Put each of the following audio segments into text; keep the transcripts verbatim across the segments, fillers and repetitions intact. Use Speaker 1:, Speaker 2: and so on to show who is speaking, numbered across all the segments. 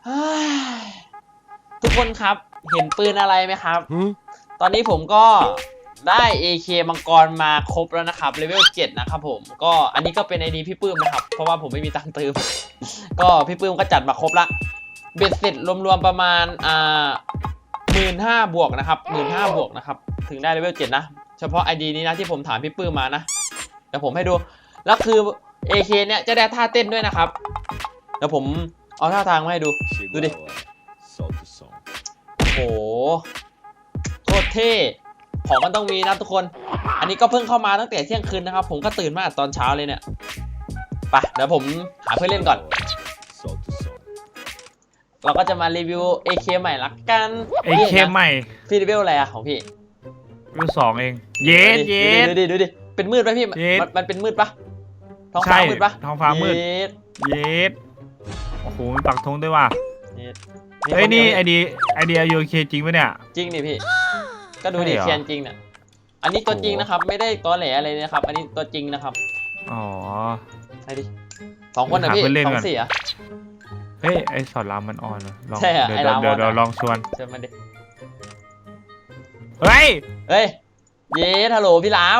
Speaker 1: ทุกคนครับเห็นปืนอะไรไหมครับตอนนี้ผมก็ได้ เอ เค มังกรมาครบแล้วนะครับเลเวลเจ็ดนะครับผมก็อันนี้ก็เป็น ไอ ดี พี่ปื้มนะครับเพราะว่าผมไม่มีตังค์เติม ก็พี่ปื้มก็จัดมาครบละเบ็ดเสร็จรวมๆประมาณอ่าหมื่นห้าบวกนะครับหมื่นห้าบวกนะครับถึงได้เลเวลเจ็ดนะเฉพาะ ไอ ดี นี้นะที่ผมถามพี่ปื้มมานะเดี๋ยวผมให้ดูแล้วคือ เอ เค เนี่ยจะได้ท่าเต้นด้วยนะครับเดี๋ยวผมเอาท่าทางมาให้ดูดูดิโอ้โหโคตรเท่ของมันต้องมีนะทุกคนอันนี้ก็เพิ่งเข้ามาตั้งแต่เที่ยงคืนนะครับผมก็ตื่นมาตอนเช้าเลยเนี่ยไปเดี๋ยวผมหาเพื่อนเล่นก่อนเราก็จะมารีวิว เอ เค ใหม่ละกัน
Speaker 2: เอ เค ใหม่
Speaker 1: พี่รีวิวอะไรอะของพี่
Speaker 2: รีวิวสองเองเยสเยส
Speaker 1: ดูดิดูดิเป็นมืดไหมพี่มันเป็นมืดปะท้องฟ้ามืดปะ
Speaker 2: ท้องฟ้ามืดเยสโอ้โหมีปักธงด้วยว่ะเฮ้ยนี่ไอเดียไอเดียโอเคจริงปะเนี่ย
Speaker 1: จริงดิพี่ก็ดูดิเคียนจริงเนี่ยอันนี้ตัวจริงนะครับไม่ได้ตอแหลอะไรนะครับอันนี้ตัวจริงนะครับ
Speaker 2: อ๋อ
Speaker 1: ไอดิสองคนนะพี่สองสี่อะ
Speaker 2: เฮ้ยไอสอนรามมันอ่อนลอง
Speaker 1: ใช่อะไอราม
Speaker 2: เดี๋ยวเดี๋ยวลองชวน
Speaker 1: เชิญมาดิ
Speaker 2: เฮ้ย
Speaker 1: เฮ้ยเย้ฮัลโหลพี่ราม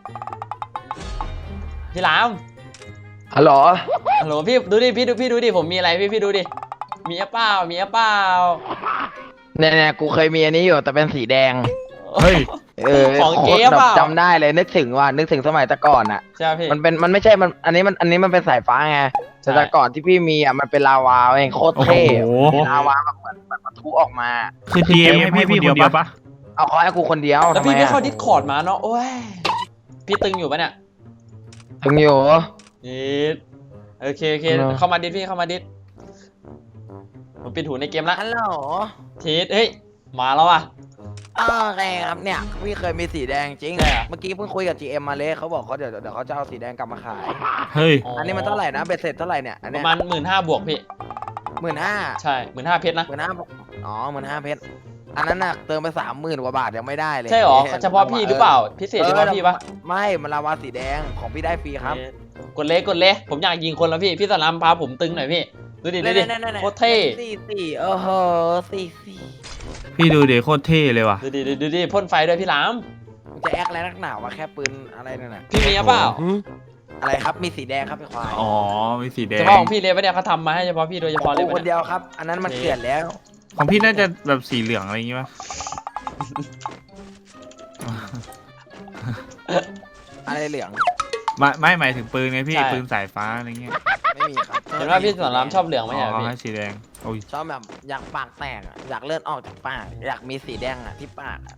Speaker 1: พี่ราม
Speaker 3: ฮัลโหล
Speaker 1: ฮัลโหลพี่ดูดิพี่ดูพี่ดูดิผมมีอะไรพี่พี่ดูดิมีอะเปล่ามีอะเปล่า
Speaker 3: เนี่ยเนี่ยกูเคยมีอันนี้อยู่แต่เป็นสีแดง
Speaker 2: เฮ้ย
Speaker 3: เออของเก๊เปล่าจำได้เลยนึกถึงว่านึกถึงสมัยแต่ก่อนอ่ะ
Speaker 1: ใช่พี่
Speaker 3: มันเป็นมันไม่ใช่มันอันนี้มันอันนี้มันเป็นสายฟ้าไงแต่แต่ก่อนที่พี่มีอ่ะมันเป็นลาวาเองโคตรเท่ลาวาแบบเหมือนแบบปะทุออกมา
Speaker 2: คือทีมให้พี่คนเดียวปะ
Speaker 3: เอาขอให้กูคนเดียว
Speaker 1: แล้วพี่ไม่เข้าดิสคอร์ดมาเนาะโอ้ยพี่ตึงอยู่ปะเนี่ย
Speaker 3: ตึงอยู่
Speaker 1: นี่โอเคโอเคเข้ามาดิสพี่เข้ามาดิสผมปิดหูในเกมละ
Speaker 3: ฮัลโหล
Speaker 1: ทีสเฮ้ยมาแล้วอ่ะ
Speaker 3: โอเคครับเนี่ยพี่เคยมีสีแดงจริงเมื่อกี้เพิ่งคุยกับ จี เอ็ม มาเลยเขาบอกเขาเดี๋ยวเดี๋ยวเขาจะเอาสีแดงกลับมาขาย
Speaker 2: เฮ้ย
Speaker 3: อันนี้มันเท่าไหร่นะเบ็ดเสร็จเท่าไหร่เนี่ยอันนี้
Speaker 1: ประมาณหมื่นห้าบวกพี่
Speaker 3: หมื่นห้า
Speaker 1: ใช่หมื่นห้าเพชรนะ
Speaker 3: หมื่นห้าอ๋อหมื่นห้าเพชรอันนั้นน่ะเติมไปสามหมื่นกว่าบาทยังไม่ได้เลย
Speaker 1: ใช่หรอเฉพาะพี่หรือเปล่าพิเศษเฉพาะพี่ปะ
Speaker 3: ไม่มันลาวาสีแดงของพี่ได้ฟรีครับ
Speaker 1: กดเล็กกดเล็กผมอยากยิงคนแล้วพี่พี่สลามพาผมตึงหน่อยพี่ดูดิดูดิโคตรเท่
Speaker 3: สี่สี่เออเหอสี่สี่
Speaker 2: พี่ดูเดี๋ยวโคตรเท่เลยว่ะ
Speaker 1: ดูดิดูดิพ่นไฟด้วยพี่หลาม
Speaker 3: จะแอคอะไรนักหนาวะแค่ปืนอะไรนั่นน่ะ
Speaker 1: พี่มีเปล่า
Speaker 3: อะไรครับมีสีแดงครับพี่ควาย
Speaker 2: อ๋อมีสีแดง
Speaker 1: เฉพาะของพี่เลยปะเนี่ยเขาทำมาให้เฉพาะพี่โดยเฉพาะเลย
Speaker 3: คนเดียวครับอันนั้นมันเกลื่อนแล้ว
Speaker 2: ของพี่น่าจะแบบสีเหลืองอะไรอย่างงี้ป่ะ
Speaker 3: อะไรเหลือง
Speaker 2: ไม่ไม่หมายถึงปืนไงพี่ปืนสายฟ้าอะไรเงี้ย
Speaker 3: ไม่มีครับ
Speaker 1: เห็นว่าพี่สอนรามชอบเหลืองไหมอ่ะพี่
Speaker 2: สีแดงโอ้ย
Speaker 3: ชอบแบบอยากปากแตกอยากเลือดออกจากปากอยากมีสีแดงอ่ะที่ปาก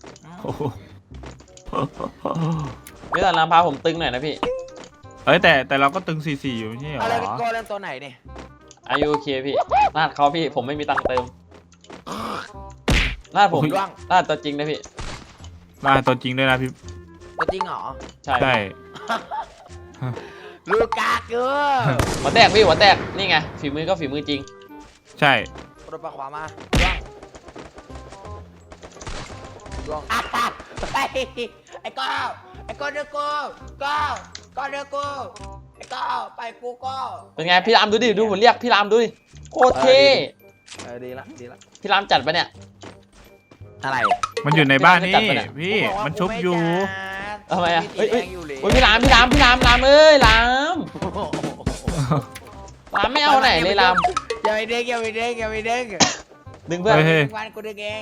Speaker 1: พี่สอนรามพาผมตึงหน่อยนะพี่
Speaker 2: เอ้ยแต่แต่เราก็ตึงสี่สี่อยู่ไม่ใช่เหรอ
Speaker 3: อะไรเป็นโกเล่นตัวไหนเนี่ย
Speaker 1: อายุโอเคพี่นาดเขาพี่ผมไม่มีตังค์เติมนาดผมนาดตัวจริงนะพี่
Speaker 2: นาดตัวจริงด้วยนะพี่
Speaker 3: ตัวจริงเหรอ
Speaker 1: ใช่
Speaker 2: ใช่
Speaker 3: ลูกาเกอร์
Speaker 1: หัวแตกพี่หัวแตกนี่ไงฝีมือก็ฝีมือจริง
Speaker 2: ใช่
Speaker 3: รถปลาขวามาล่วงล่วงไอ้ไอ้ก้าวไอ้ก้าวเดือกูก้าวก้าวเดือกูไอ้ก้าวไปกูก้าว
Speaker 1: เป็นไงพี่รามดูดิดูผมเรียกพี่รามดูดิโคตรเท่
Speaker 3: เออดีละดีละ
Speaker 1: พี่รามจัดปะเนี่ย
Speaker 3: อะไร
Speaker 2: มันอยู่ในบ้านนี่พี่มันชุบอยู่
Speaker 1: ทำไมอ่ะเฮ้ยพี่รามพี่รามพี่รามรามเอ้ยรามรามไม่เอาไหนเลยราม
Speaker 3: อย่าไปเด้งอย่าไปเด้งอย่าไปเด้ง
Speaker 1: ดึงเพื่อน
Speaker 3: วันกูดึงเอง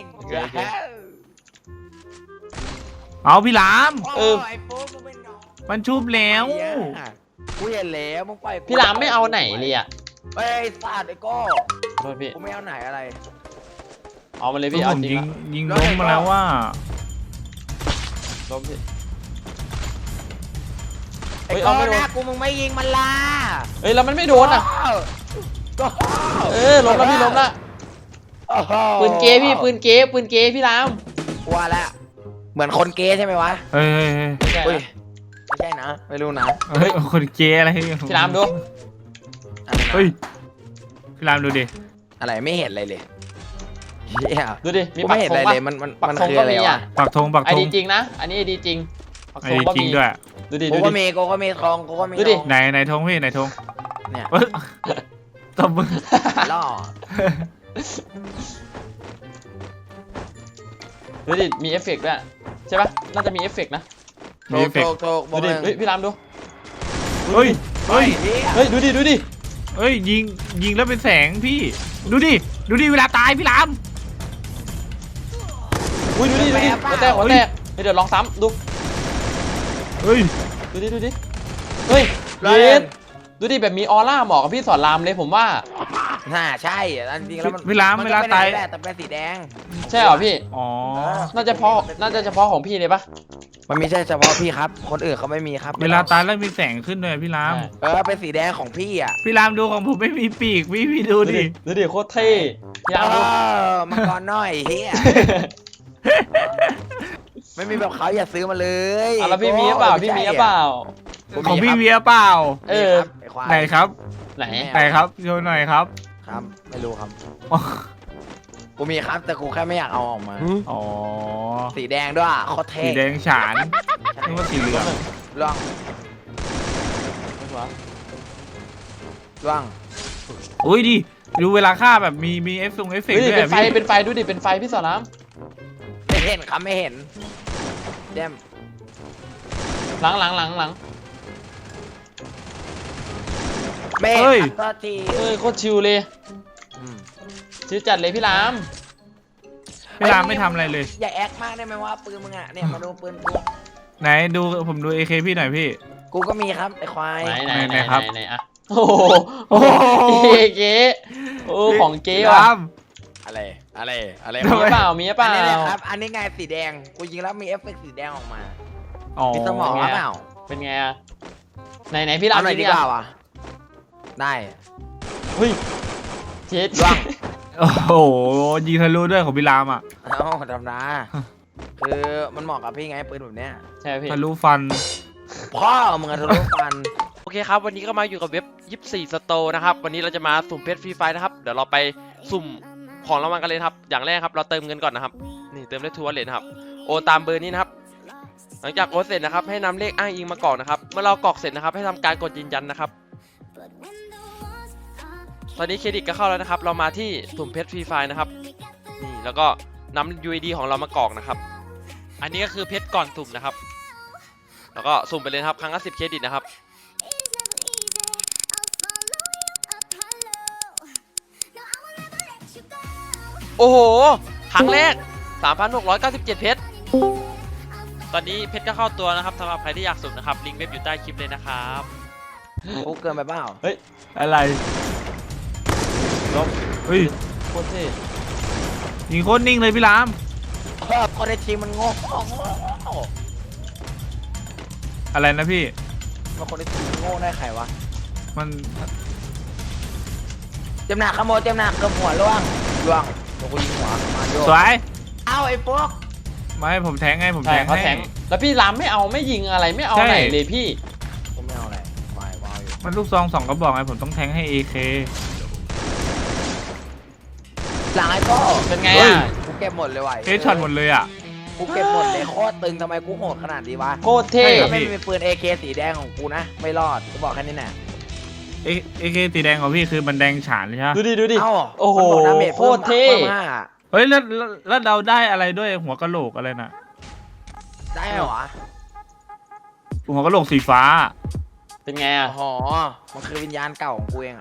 Speaker 2: เอาพี่ราม
Speaker 1: เออ
Speaker 2: มันชุบแล้ว
Speaker 3: กูเห็นแล้วมึงไป
Speaker 1: พี่รามไม่เอาไหนเลยอ่ะ
Speaker 3: เฮ้ยสาดไอ้ก้
Speaker 1: โทษพี่
Speaker 3: กูไม่เอาไหนอะไร
Speaker 1: เอามาเลยพี่เอาจริง
Speaker 2: ยิงยิงล้มมาแล้วว่า
Speaker 1: ล้มพี่
Speaker 3: เฮ้ยเอาไม่โดนกูมึงไม่ยิงมันล่ะ
Speaker 1: เฮ้ยแล้วมันไม่โดนอ่ะเออล้มแล้วพี่ล้มละปืนเก๋พี่ปืนเก๋ปืนเก๋พี่ราม
Speaker 3: ว่าแล้วเหมือนคนเก๋ใช่ไหมวะ
Speaker 2: เฮ้ย
Speaker 3: ไม่ใช่นะไม่รู้นะ
Speaker 2: เฮ้ยคนเก๋อะไร
Speaker 1: พี่รามดู
Speaker 2: เฮ้ยพี่รามดูดิ
Speaker 3: อะไรไม่เห็นอะไรเลย
Speaker 1: ดูดิ
Speaker 3: มีปักธงเลยมันมันมันคืออะไรวะ
Speaker 2: ปักธงปักธง
Speaker 1: ไอดีจริงนะอันนี้ไอดีจริง
Speaker 2: ไอดีจริงด้วย
Speaker 1: ดูดิ
Speaker 3: โกก็มีโกก็มีทองโกก็มี
Speaker 1: ดูดิ
Speaker 2: ไหนไหนธงพี่ไหนธง
Speaker 3: เนี่ย
Speaker 2: ตบมือ
Speaker 3: ล่อ
Speaker 1: ดูดิมีเอฟเฟกต์ด้วยใช่ปะน่าจะมีเอฟเฟกต์นะ
Speaker 3: โถ
Speaker 2: มี
Speaker 3: ก
Speaker 2: เอฟเฟ
Speaker 3: โถ
Speaker 2: ก
Speaker 3: ก
Speaker 2: ต์
Speaker 3: โถกบ
Speaker 1: ดู
Speaker 3: อก
Speaker 1: ดิ
Speaker 3: มึง
Speaker 1: เฮ้ยพี่รามดู
Speaker 2: เฮ้ยเฮ้ย
Speaker 3: เฮีย
Speaker 1: เฮ้ยดูดิดูดิ
Speaker 2: เฮ้ยยิงยิงแล้วเป็นแสงพี่ดูดิดูดิเวลาตายพี่ราม
Speaker 1: อุ้ยดูดิดูดิหัวแตกหัวแตกเดี๋ยวลองซ้ำดู
Speaker 2: เฮ้ย
Speaker 1: ดูดิดูดิเฮ้ยเย็นดูดิแบบมีออร่าเหมาะกับพี่สอนรามเลยผมว่า
Speaker 3: น่าใช่อันจริงแล้วมัน
Speaker 2: เวลา
Speaker 3: มัน
Speaker 2: เว
Speaker 3: ก็
Speaker 2: ลา
Speaker 3: เป็น
Speaker 2: ตาย
Speaker 3: แหละแต่เป็นสีแดง
Speaker 1: ใช่เหรอพี่
Speaker 2: อ๋อ
Speaker 1: น่าจะเพราะน่าจะเฉพาะของพี่เลยปะ
Speaker 3: มันไม่ใช่เฉพาะพี่ครับ คนอื่นเขาไม่มีครับ
Speaker 2: เวลาตายแล้วมีแสงขึ้นด้วยพี่ราม
Speaker 3: เออเป็นสีแดงของพี่อ่ะ
Speaker 2: พี่รามดูของผมไม่มีปีกพี่พี่ดู
Speaker 1: ดู
Speaker 2: ดิ
Speaker 1: ดิดูดิโคตรเท่พี่ราม
Speaker 3: เอ
Speaker 1: ดู
Speaker 3: อมังกรน้อยเฮียไม่มีแบบเขาอย่าซื้อมาเลย
Speaker 1: อ่ะแล้วพี่มีหรือเปล่าพี่มีหรือเปล่า
Speaker 2: ของพี่เวียเปล่า
Speaker 1: เออ
Speaker 3: ไอ้ควาย
Speaker 2: ไหนครับ
Speaker 1: ไหน
Speaker 2: ไหนครับโชว์หน่อยครับ
Speaker 3: ครับไม่รู้ครับ
Speaker 2: อ๋อ
Speaker 3: กูมีครับแต่กูแค่ไม่อยากเอาออกมา
Speaker 2: อ๋อ
Speaker 3: สีแดงด้วยโคตรเท่
Speaker 2: สีแดงฉานนี่ว่าสีเหลือง
Speaker 3: ล่วงล่วง
Speaker 2: อุ้ยดิดูเวลาฆ่าแบบมีมีเอฟซงเอฟเฟก
Speaker 1: ดู
Speaker 2: ต์
Speaker 1: ดิ
Speaker 2: ด้วย
Speaker 1: เป็น
Speaker 2: อะ
Speaker 1: ไฟ
Speaker 2: พี่
Speaker 1: เป็นไฟดูดิเป็นไฟพี่สอนราม
Speaker 3: ไม่เห็นครับไม่เห็นเจม
Speaker 1: หลังหลังหลังหลัง
Speaker 3: ไม่เห็นครับตัวที
Speaker 1: เอ้ยโคตรชิลเลย
Speaker 3: อืม
Speaker 1: ชิลจัดเลยพี่ราม
Speaker 2: พี่รามไม่ทำอะไรเลย
Speaker 3: อย่าแอคมากได้ไหมว่าปืนมึงอ่ะเนี่ยมาดูปืนกู
Speaker 2: ไหนดูผมดูเอเคพี่หน่อยพี่
Speaker 3: กูก็มีครับไอ้ควาย
Speaker 1: ไหนไหน
Speaker 2: ไห
Speaker 1: ไห
Speaker 2: น
Speaker 1: น
Speaker 2: ครับ
Speaker 1: ไหนอะโอ้โห
Speaker 2: โอ้โห
Speaker 1: เก๋เก๋โอ้ของเก๋
Speaker 2: พี่
Speaker 1: ว่ะ
Speaker 2: ราม
Speaker 3: อะไรอะไรอะไร
Speaker 1: มีหรือเปล่ามีหรือเป
Speaker 3: อัน
Speaker 1: ล่า
Speaker 3: นี้เลยครับอันนี้ไงสีแดงกูยิงแล้วมีเอฟเฟกต์สีแดงออกมา
Speaker 2: อ๋อ
Speaker 3: มีสมองหรือเปล่า
Speaker 1: เป็นไงอะไหนไหนพี่ราม
Speaker 3: เอาหน่อยดี
Speaker 1: นี่
Speaker 3: กว่าวะได้
Speaker 1: เฮ้ยเจ็ด
Speaker 3: ล่วง
Speaker 2: โอ้โหยิงทะลุด้วยของพี่รามอ่ะ
Speaker 3: เอ้าธรรมดาคือมันเหมาะกับพี่ไงปืนแบบเนี้ย
Speaker 1: ใช่พี่
Speaker 2: ทะลุฟัน
Speaker 3: พ่อมึงอะทะลุฟัน
Speaker 4: โอเคครับวันนี้ก็มาอยู่กับเว็บยี่สิบสี่สโตร์นะครับวันนี้เราจะมาสุ่มเพชรฟรีไฟนะครับเดี๋ยวเราไปสุ่มของรางวัลกันเลยครับอย่างแรกครับเราเติมเงินก่อนนะครับนี่เติมได้ทัวร์เลทนะครับโอนตามเบอร์นี้นะครับหลังจากโอนเสร็จนะครับให้นำเลขอ้างอิงมากรอกนะครับเมื่อเรากรอกเสร็จนะครับให้ทำการกดยืนยันนะครับตอนนี้เครดิตก็เข้าแล้วนะครับเรามาที่สุ่มเพชรฟรีไฟนะครับนี่แล้วก็นำ ยู ไอ ดี ของเรามากรอกนะครับอันนี้ก็คือเพชรก่อนสุ่มนะครับแล้วก็สุ่มไปเลยครับครั้งละสิบเครดิตนะครับโอ้โห ครั้งแรก สามพันหกร้อยเก้าสิบเจ็ด เพชร ตอนนี้เพชรก็เข้าตัวนะครับสำหรับใครที่อยากสุ่มนะครับ ลิงก์เว็บอยู่ใต้คลิปเลยนะครับ
Speaker 3: กูเกินไปเปล่า
Speaker 2: อะไรเฮ้ย
Speaker 1: โคตรเท่
Speaker 2: ยิงโคตรนิ่งเลยพี่ราม
Speaker 3: เออคนในทีมมันโง่โง่
Speaker 2: อะไรนะพี่
Speaker 3: มันคนในทีมมันโง่ได้ใครวะ
Speaker 2: มัน
Speaker 3: เต็มหนักขโมยเต็มหนักเกือบหัวล่วงล่วงเดี๋ยวกูยิงหัวมาโย
Speaker 2: สวย
Speaker 3: เอ้าไอ้พวก
Speaker 2: ไม่ผมแทงให้ผม
Speaker 1: ใช่
Speaker 2: แทง
Speaker 1: เขา
Speaker 2: ให้
Speaker 1: แทงแล้วพี่รามไม่เอาไม่ยิงอะไรไม่เอา
Speaker 2: ใช่
Speaker 1: ไหนเลยพี่
Speaker 3: กูไม่เอาอะไรวายวายอยู่
Speaker 2: มันลูกซองสองกระบอกไงผมต้องแทงให้เอเค
Speaker 3: หลังไอ้โก้
Speaker 1: เป็นไง
Speaker 2: เฮ้ย
Speaker 1: อ่ะ
Speaker 3: กูเก็บหมดเลยว่ะ
Speaker 2: เฮดช็อตหมดเลยอ่ะ
Speaker 3: กูเก็บหมดเลยโคตรตึงทำไมกูโหดขนาดนี้วะ
Speaker 1: โคตรเท่
Speaker 2: ใช่
Speaker 3: ถ้าไม่มีปืน เอ เค สีแดงของกูนะไม่รอดกูบอกแค่นี้แน่
Speaker 2: เอเอเคสีแดงของพี่คือมันแดงฉานเลยใช่ไหม
Speaker 1: ดูดิดูดิ
Speaker 3: เอ้า
Speaker 1: โอ้โห
Speaker 3: มันบกดาเมจ
Speaker 1: โคตรเท่
Speaker 3: พิ่มห้า
Speaker 2: เฮ้ยแล้วแล้วแล้วเราได้อะไรด้วยหัวกะโหลกอะไรน่ะ
Speaker 3: ได้เหรอวะ
Speaker 2: หัวกะโหลกสีฟ้า
Speaker 1: เป็นไงอ่ะ
Speaker 3: อ๋อมันคือวิญญาณเก่าของกูเองอะ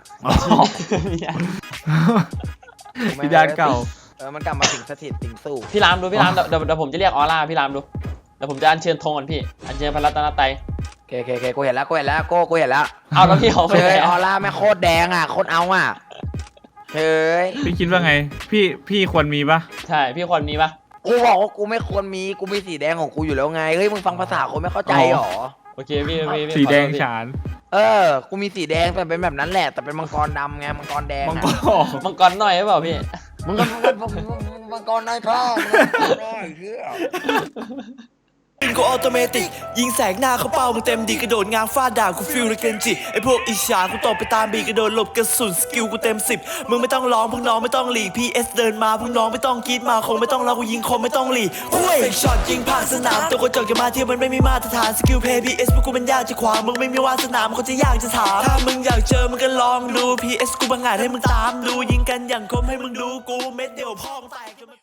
Speaker 2: วิญญาณเก่า
Speaker 3: เออมันกลับมาสิงสถิตสิงสู่
Speaker 1: พี่รามดูพี่รามเดี๋ยวเดี๋ยวเดี๋ยวผมจะเรียกออร่าพี่รามดูเดี๋ยวผมจะอัญเชิญธงก่อนพี่อัญเชิญพระรัตนตรัย
Speaker 3: โอเคโอเคโอเคกูเห็นแล้วกูเห็นแล้วโก้กูเห็นแล้ว
Speaker 1: เอาแล้วพี่เขาไป
Speaker 3: เฮ้
Speaker 1: ไหน
Speaker 3: ยออ
Speaker 1: อะ
Speaker 3: ร่าไม่โคตรแดงอ่ะโคตรเอาอ่ะเฮ้ย
Speaker 2: พี่คิดว่าไง พี่พี่ควรมีปะ
Speaker 1: ใช่พี่คนมีปะ
Speaker 3: กูบอกว่ากูไม่ควรมีกูมีสีแดงของกูอยู่แล้วไงเฮ้ยมึงฟังภาษาคนไม่เข้าใจหรอ
Speaker 1: โอเคพี่พี่พี่
Speaker 2: สีแดง
Speaker 1: ขอโทษพี่
Speaker 2: ฉาน
Speaker 3: เออกูมีสีแดงแต่เป็นแบบนั้นแหละแต่เป็นมังกรดำไงมังกรแดง
Speaker 2: มัง
Speaker 3: อะ
Speaker 2: กร
Speaker 1: มังกรหน่อยหรือเปล่าพี่
Speaker 3: มึงก็มึงก็มึงก็มังกรน้อยพ่อมึงก็มังกรน้อยเหี้ย
Speaker 5: ปืนกูออโตเมติกยิงแสกหน้าเขาเป้ามึงเต็มดีกระโดดง้างฟาดด่ากูฟิลเลยเกนจิไอพวกอิจฉากูตบไปตามบีกระโดดหลบกระสุนสกิลกูเต็มสิบมึงไม่ต้องร้องพวกน้องไม่ต้องหลีกพีเอสเดินมาพวกน้องไม่ต้องกรีดมาคงไม่ต้องรอกูยิงคมไม่ต้องหลีกคุยเฟกช็อตยิงผ่านสนามตัวกระจกจะมาเที่ยวมันไม่มีมาตรฐานสกิลเพย์พีเอสพวกกูมันยากจะขวางมึงไม่มีวาสนามันก็จะยากจะถามถ้ามึงอยากเจอมึงก็ลองดูพีเอสกูบังอาจให้มึงตามดูยิงกันอย่างคมให้มึงดูกูเม็ดเดียวพ่อมึงแตก